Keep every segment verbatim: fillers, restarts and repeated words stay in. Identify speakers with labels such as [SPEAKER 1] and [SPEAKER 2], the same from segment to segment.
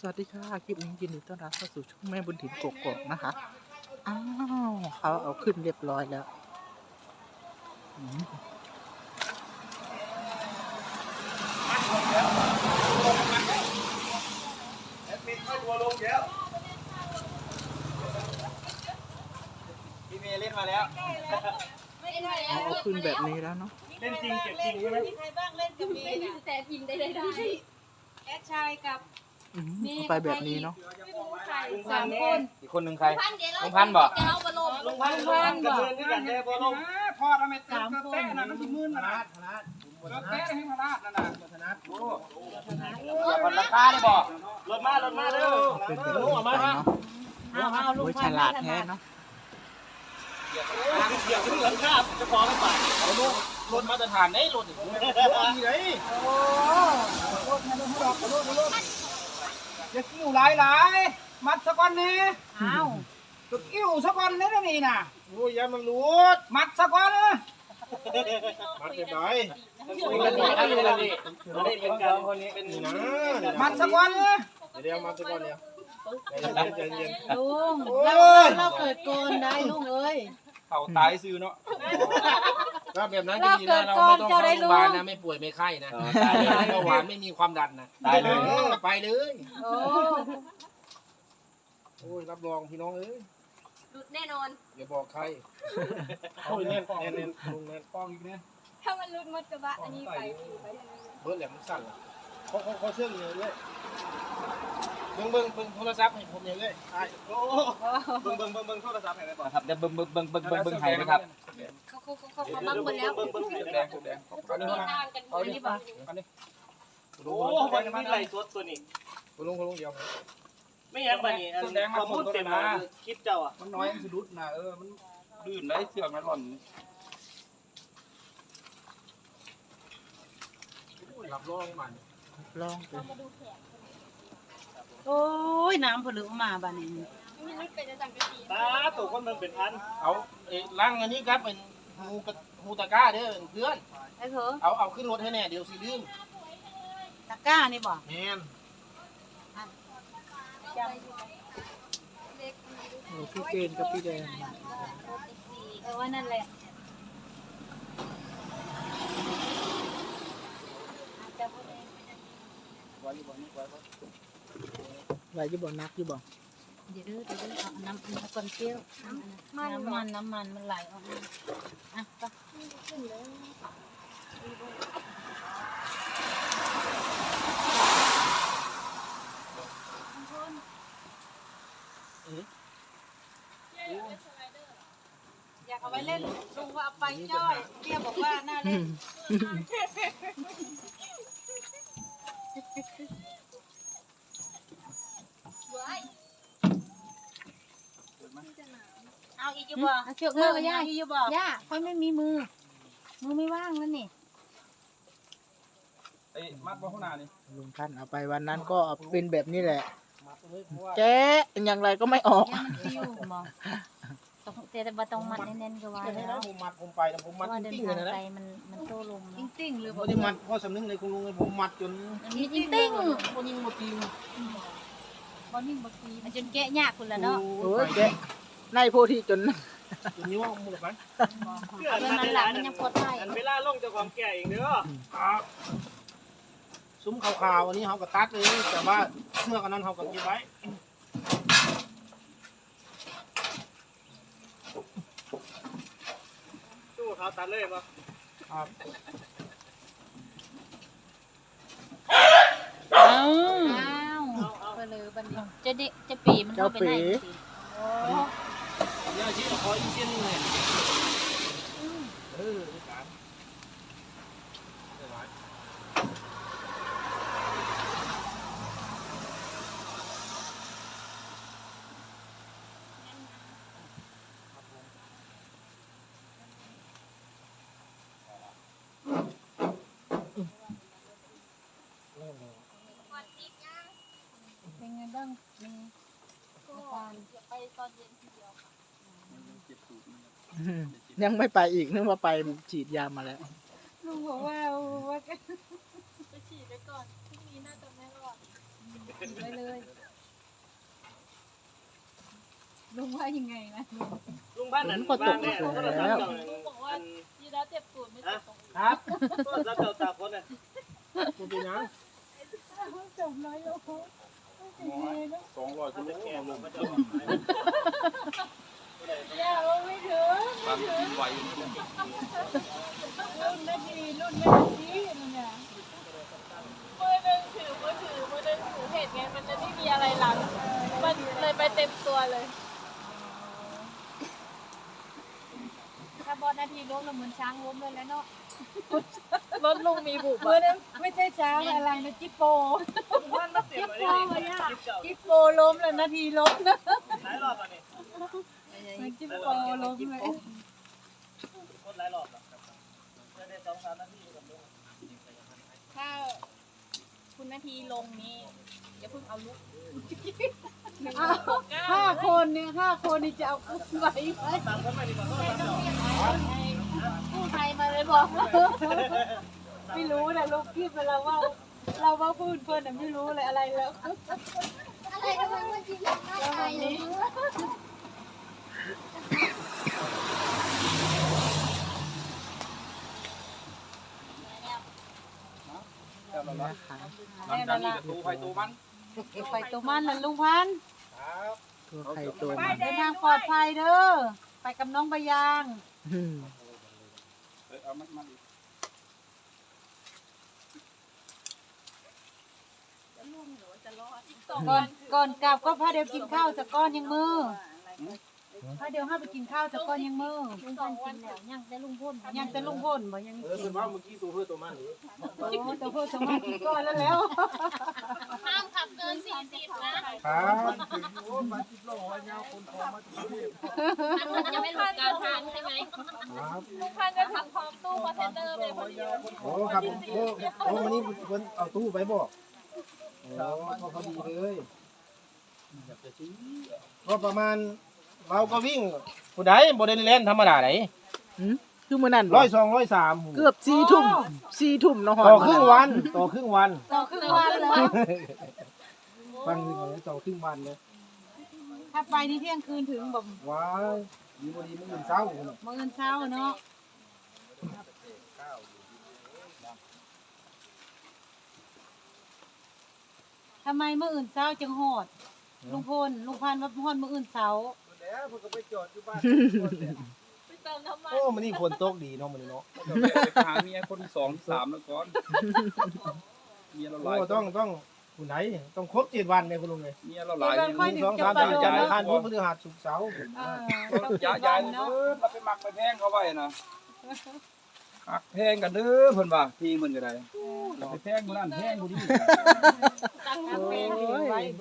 [SPEAKER 1] วัสดีค่ะคลิปนี้ยินดีต้อนรับเข้าสู่ช่องแม่บุญถิ่นกกอกนะคะอ้าวเขาเอาขึ้นเรียบร้อยแล้วอืม
[SPEAKER 2] แอดมินเข้าตัวลงแล้วพี่เมย์เล่นมาแล้ว
[SPEAKER 1] เอาเอาขึ้นแบบนี้แล้วเนาะ
[SPEAKER 2] เล่นจริงเก็บจริงใช่ไหม
[SPEAKER 3] มีใครบ้างเล่นกับเมย์เนี่ยแต่พิมพ์ได้ได้ได้แอดชายกับ
[SPEAKER 1] อืมเอาไปแบบนี้เนาะ
[SPEAKER 3] ไม่รู้ใครสามคน
[SPEAKER 4] อีกคนหนึ่งใคร
[SPEAKER 3] พันเดี๋ยวเรา
[SPEAKER 4] ลุงพันธุ์บอก
[SPEAKER 3] จะเอามาลง
[SPEAKER 2] ลงพันลงพันกระเดินด้วยกันเลยพอลงพอทำไมสามคนนะมันมืนนะธนัทธนัทเตะให้ธนัทนั่นน่ะธนัทโอ้
[SPEAKER 4] อย่าพันราคาเลยบอก
[SPEAKER 2] รถมารถมาเด้อ
[SPEAKER 1] เป็นแบบนี้ไปเนาะโอ้ยฉลาดแท้เนาะ
[SPEAKER 2] เดี๋ยวที่เหลือข้าจะพอไม่ป่ะ
[SPEAKER 4] เอาลูกรถมาตรฐานได้รถอีก
[SPEAKER 2] ดีเลยโอ้รถมารถรถรถรถจะกิ้วหลายหลายมัดสักวันนี้อ้าวจะกิ้วสักวันนี้นะนี่น่ะโอ้ยยังมันรูดมัดสักวันมัดเรียบร้อย
[SPEAKER 4] เป็นกันดีครับเป็นกันดีเป็นกันคนนี้เป็นนะ
[SPEAKER 2] มัดสักวัน
[SPEAKER 4] เดี๋ยวมาสักวันเดียวใจเย็น
[SPEAKER 5] ลุงเราเราเกิดโกนได้ลุงเอ้ย
[SPEAKER 4] เขาตายซื้อเนาะก็แบบนั้นก็ดีนะเราไม่ต้องเข้าโรงพยาบาลนะไม่ป่วยไม่ไข้นะตายเลยไม่เบาหวานไม่มีความดันนะตายเลยไปเลย
[SPEAKER 5] โอ้
[SPEAKER 4] โอ้ยรับรองพี่น้องเอ้ย
[SPEAKER 3] หลุดแน่นอน
[SPEAKER 4] อย่าบอกใครโอ้ยเน้นเน้นเน้นลุงเน้น
[SPEAKER 2] กองอีกเนี่ย
[SPEAKER 3] ถ้ามันหลุดมดกระบะอันนี้ไปไป
[SPEAKER 4] เบิร์ดแหลมมันสั่นเขาเขาเขาเชื่องเลยเลยเบิ้งเบิ้งเบิ้งโทรศัพท์ให้ผมเนี่ยเลย
[SPEAKER 2] โอ้เบิ่งเบิ่งเบิ่งเบิ่งโทรศัพท์ให้ได้บ่
[SPEAKER 4] ครับเดี๋ยวเบิ้งเบิ้งเบิ้งเบิ้งเบิ้งเบิ้งให้นะครับ
[SPEAKER 3] เขาเขาเขาเขาบังหมดแล้ว
[SPEAKER 2] เบิ่งเบิ่งแดงแดง
[SPEAKER 4] อันนี้
[SPEAKER 3] มี
[SPEAKER 4] มา
[SPEAKER 3] ทางกันหมดนี่ป่ะ
[SPEAKER 4] อันนี้
[SPEAKER 2] โอ้มันมีไหลสดตัวนี้
[SPEAKER 4] คุณลุงคุณลุงเดียว
[SPEAKER 2] ไม่ยังบ่นี่อันข้อมูลเต็มมาคลิปเจ้าอ่ะมันน้อยมันสะดุดนะเออมัน
[SPEAKER 4] ลื่นได้เสือกมันหล่อน
[SPEAKER 2] รับรองมัน
[SPEAKER 1] ลองดู
[SPEAKER 5] โอ้ยน้ำผลึกมาบ้านนี้
[SPEAKER 3] ไม่รู้เป็นจะสั่งกะทิ
[SPEAKER 2] ตาตัวคนมันเป็นพัน
[SPEAKER 4] เอาเอ้ล่างอันนี้ครับเป็นฮูกฮูตะก้าเด้อเพื่อน
[SPEAKER 5] ไอ้เถอะ
[SPEAKER 4] เอาเอาขึ้นรถให้แน่เดี๋ยวสิลืม
[SPEAKER 5] ตะกร้านี่บ่
[SPEAKER 4] แมน
[SPEAKER 1] โอ้พี่เกณฑ์กับพี่แดง
[SPEAKER 5] เออว่านั่นแหละจะพูดเอง
[SPEAKER 4] ไว้อยู่บ่นี่ไว้บ่
[SPEAKER 1] ไว้อยี่บ่นักอยี่บ่
[SPEAKER 5] เดี๋ยวเด้อเดี๋ยวเด้อเอาน้ำน้ำคนเปรี้ยวน้ำมันน้ำมันน้ำมันมันไหลออกมาอ่ะไปอยากเอาไว้เล่นลุงว่าเอาไปจ้อยเปรี้ยวบอกว่าน่าเล่น เอาอีกอยู่บ่
[SPEAKER 3] เอาเชือกมือมาย่า
[SPEAKER 5] อีกอยู่บ่
[SPEAKER 3] ย่าค่อยไม่มีมือ มือไม่ว่างแล้วนี่
[SPEAKER 2] ไอ้มัดบ่ข้างหน้านี่
[SPEAKER 1] ลุงท่านเอาไปวันนั้นก็เป็นแบบนี้แหละ
[SPEAKER 2] มัดเลยเพราะว่า
[SPEAKER 1] แกะอย่างไรก็ไม่ออก
[SPEAKER 3] ย่ามันฟิวบ่ต้องแต่ว่าต้องมัดแน่นๆก็ว่า
[SPEAKER 4] เดี๋ยวให้
[SPEAKER 3] แล้
[SPEAKER 4] นะ
[SPEAKER 3] ว
[SPEAKER 4] ผมมัดผมไปแต่ผม
[SPEAKER 3] เพ
[SPEAKER 4] มัด
[SPEAKER 3] ราะว่า
[SPEAKER 4] จ
[SPEAKER 3] เดิน
[SPEAKER 4] ริงๆเล
[SPEAKER 3] ทาย ง
[SPEAKER 4] นะ
[SPEAKER 3] ไกล
[SPEAKER 4] นะ
[SPEAKER 3] มันมันโตลม
[SPEAKER 5] จ
[SPEAKER 3] เนาะ
[SPEAKER 5] ริงๆหรือ
[SPEAKER 4] ผมไม่ได้มัดเพราะสำนึกในคุณลุงเลยผมมัดจน
[SPEAKER 3] อันนี้จริง
[SPEAKER 4] คนยิงหมดทีม
[SPEAKER 3] ๆบ่นิ่งบ่ฟีมันจนแกะยากคุณละเนาะ
[SPEAKER 1] โอ้ยแกะในโพธิจน
[SPEAKER 4] จนนิ้วเอามือไป
[SPEAKER 3] เรื่องนั้นหลังมันยังปลอดภัย
[SPEAKER 2] อันเวลาลงจะความแก่เองเด้อ
[SPEAKER 4] ซุ้มขาวๆอันนี้เขาก็ตัดเลยแต่ว่าเสื้อกันนั้นเขาก็เก็บไว้
[SPEAKER 2] ตู้เขาตัดเลยป่ะ
[SPEAKER 4] ครับ
[SPEAKER 5] อ้าว
[SPEAKER 3] อ้าวไปเลยบัดนี้จะเดะจะปีมันเข้าไปไหนสิ
[SPEAKER 4] เดี๋ยวชี้ขออีกเส้นหนึงเลยเออการเดี๋ยวไว้
[SPEAKER 3] เป็นไงบ้างมีอาการไปตอนเย็นทีเดียว
[SPEAKER 1] ยังไม่ไปอีกนึกว่าไปฉีดยามาแล้ว
[SPEAKER 5] ลุงบอกว่าว่า
[SPEAKER 3] ไปฉีดไปก่อนพรุ่งนี้น่าจะไม่รอดไปเลยลุงว่ายังไงนะ
[SPEAKER 2] ลุงบ้าน
[SPEAKER 1] ฝ
[SPEAKER 2] นั้น
[SPEAKER 1] นก็ตกอีกแล้ว
[SPEAKER 3] ลุงบอกว่ายีราฟเจ็บตูดไม่เจ็บตรง
[SPEAKER 2] ครับแล้วเจ้าตาคนน่ะคุณเป็นยัง
[SPEAKER 3] จบร้อยโล
[SPEAKER 2] สองร้อยคุณแก่ลงมาเจ้า
[SPEAKER 3] อย่าว่าไม่ถึง
[SPEAKER 4] ความกินไว
[SPEAKER 3] รุ่นนาทีรุ่นไม่นาทีนั่นเนี่ยมือหนึ่งถือมือถือมือหนึ่งถือเพจไงมันจะไม่มีอะไรหลังมันเลยไปเต็มตัวเลยถ้าบอลนาทีล้มแล้วเหมือนช้างล้มเลยแล้วเนาะรถลุงมีบุบมือนั้นไม่ใช่ช้างอะไรนะจิปโปจิปโปเนี่ยจิปโปล้มแล้วนาทีล้มนะ
[SPEAKER 2] หลายรอบแล้วนี่
[SPEAKER 3] มันจิปโปล้มเลย
[SPEAKER 2] คนหลายรอบแล้วจะได้สองสามนาทีกับลุง
[SPEAKER 3] ถ้าคุณนาทีลงนี่อย่าเพิ่งเอาลุกห้าคนเนี่ยห้าคนนี่จะเอาอุ้มไว้ไหม
[SPEAKER 2] ตามคนใหม่ดีกว่า
[SPEAKER 3] ผู้ไทยมาเลยบอกไม่รู้นะลูกคิดไปแล้วว่าเราว่าพูดเพื่อนไม่รู้เลยอะไรแล้วอะไรทำไมมันจีบอะไรเลย
[SPEAKER 1] นะคะ
[SPEAKER 2] หลังจากนี้ก็ตูไฟตูมัน
[SPEAKER 3] ไปตัวมันนะลุงพันธุ์
[SPEAKER 2] ครับ
[SPEAKER 1] ตัวใครตัวมัน
[SPEAKER 3] เดินทางปลอดภัยเด้อไปกับน้องใบยาง
[SPEAKER 1] อืม
[SPEAKER 2] เอามันมัน
[SPEAKER 3] ก่อนก่อนกลับก็พาเดี๋ยวกินข้าวสักก้อนยังมือพาเดี๋ยวห้าไปกินข้าวสักก้อนยังมือ
[SPEAKER 5] สองวันแล้วยังแต่ลุงพ่น
[SPEAKER 3] ยังจะลุงพ่นบ่ยัง
[SPEAKER 2] เออคุณว่าเมื่อกี้ตัวเพื่อตัวมันหรือ
[SPEAKER 3] โอ้ตัวเพื่อสมัครกินก้อนแล้วแล้ว
[SPEAKER 5] ห้ามขับเกินสี่สิบนะครับ
[SPEAKER 2] โอ้มาจิบโลไว้ยาวคนทองมาจากกรุงเทพ
[SPEAKER 5] มันจะไม่หลุดกลางทางใช่ไหม
[SPEAKER 2] ครับ
[SPEAKER 3] ลุงพันจะทำพร้อมตู้คอนเทนเนอร์เลยพอดี
[SPEAKER 2] โอ้ครับโอ้โอ้วันนี้คนเอาตู้ไปบอกโอ้ก็พอดีเลยก็ประมาณเราก็วิ่งผู้ใดโมเดลเล่นธรรมดาไหน
[SPEAKER 1] หืมคือมื้อนั้น
[SPEAKER 2] ร้
[SPEAKER 1] บ่
[SPEAKER 2] อยสองร้อยสาม
[SPEAKER 1] เกือบสี่ทุ่มสี่ทุ่มเนาะฮอด
[SPEAKER 2] ต่อครึ่งวันต่อครึ่งวัน
[SPEAKER 3] ต่อครึ่งวันเลย
[SPEAKER 2] ฟังดีกว่าต่อครึ่งวันเลย
[SPEAKER 3] ถ้าไปนี่เที่ยงคืนถึงแบบ
[SPEAKER 2] ว้ายดีบ่ดีมื้ออื่นเช้า
[SPEAKER 3] มื้อเช้าเนาะทำไมมื้ออื่นเช้าจึงโหดลุงพลลุงพันว่าฮอดมื้ออื่นเช้า
[SPEAKER 2] แล้วเพิ่นก็ไปจอดอยู่บ้านโอ้มันนี่ฝนตกดีเนาะมื้อนี้เนาะ
[SPEAKER 6] ไปหาเมียคนสองสามแล้วก่อนเมียเราหลาย
[SPEAKER 2] โอ้ต้องต้องผู้ไหนต้องครบเจ็ดวันเลยคุณลุงเลย
[SPEAKER 6] เมียเราหลาย
[SPEAKER 3] เจ็ดวันค่อย
[SPEAKER 2] หนึ่งสองสามสี่จันทร์อังคารพุธพฤหัสศุกร์เสาร์
[SPEAKER 3] เออ
[SPEAKER 6] ย้ายย้ายเด้อเราไปหมักไปแพงเขาไว้นะหักแพงกันเด้อเพิ่นว่าพี่มันก็ได้เราไปแพงคนนั้นแพงคนนี้
[SPEAKER 3] ตั้งทางเพลงอยู่ไว้บ่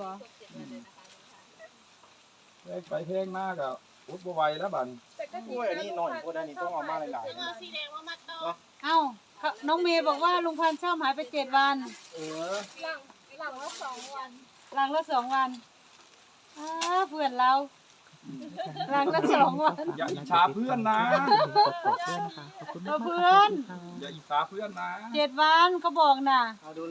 [SPEAKER 6] ไปแพงมากอ่ะอุดบ่ไหวแล้วบัด
[SPEAKER 2] โอ้ยอันนี้หน่อยพวกนั้นนี่ต้องเอามาหลาย
[SPEAKER 5] ถึงเอาสีแดงมามัดต่อ
[SPEAKER 3] เอ้าน้องเมย์บอกว่าลุงพันธุ์เช่าหายไปเจ็ดวัน
[SPEAKER 2] ๆเออ
[SPEAKER 5] หลังหลังละสองวัน
[SPEAKER 3] หลังละสองวันอ้าเพื่อนเราหลังละสองวัน
[SPEAKER 6] อย่าอิจฉาเพื่อนนะ
[SPEAKER 1] ขอบคุณนะคะขอบคุณมากๆ
[SPEAKER 3] เพื่อน
[SPEAKER 1] ค่ะ
[SPEAKER 6] อย่าอิจฉาเพื่อนนะ
[SPEAKER 3] เจ็ดวันเขาบอกน่ะ
[SPEAKER 2] เอาดู